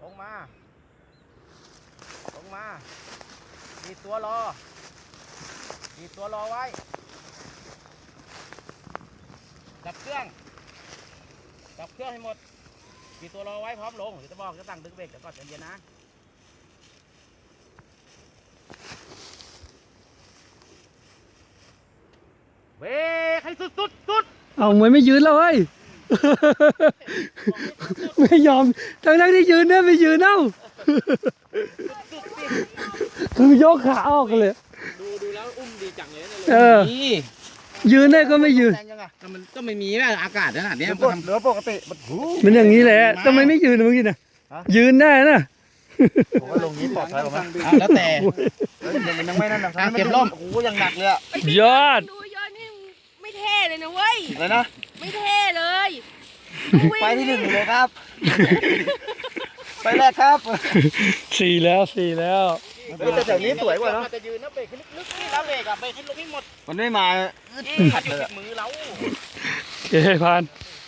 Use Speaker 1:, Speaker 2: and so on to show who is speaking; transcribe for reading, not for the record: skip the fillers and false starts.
Speaker 1: งมาลงมาดีดตัวรอดีดตัวรอไว้จับเครื่องให้หมดดีดตัวรอไว้พร้อมลงเดี๋ยวจะบอกจะตั้งดึงเบรกแต่ก่อนใจเย็นนะเบรกให้สุด
Speaker 2: เอามวยไม่ยืนแล้วเฮ้ย ไม่ยอมทั้งที่ยืนเนี่ยไม่ยืนเอ้า คือยกขาออกกันเลย
Speaker 3: ดูแล้วอุ้มดีจังเลยนะ
Speaker 2: เออยืนได้ก็ไม่ยืน
Speaker 3: มันก็ไม่มีแบบอากาศขนาดนี้
Speaker 1: เหลือปกติ
Speaker 2: มันอย่างนี้แหละทำไมไม่ยืนเมื่อกี้น่ะยืนได้นะ
Speaker 1: ผมว่าลงนี้ปลอดภัยกว่ามั้ยแล้วแต่มันยังไม่นั่นนะเก็บร่มโอ้โหยังหนักเลยอะ
Speaker 2: ยอด
Speaker 4: ดูยอดนี่ไม่เท่เลยนะเว้ย
Speaker 1: อะไรนะ
Speaker 4: ไม่เท่เลย
Speaker 1: ไปที่หนึ่งเลยครับ ไปแรกครับ
Speaker 2: สี่แล้ว
Speaker 1: แต่แถวนี้สวยกว่าเนาะ
Speaker 3: จะยืนนะเบรกลึกๆนี่แล้วเบรกอะเบรกให้ลงให้หมด
Speaker 1: มันไม่มาขัดเลย
Speaker 3: มือเรา
Speaker 2: เฮ้ยพาน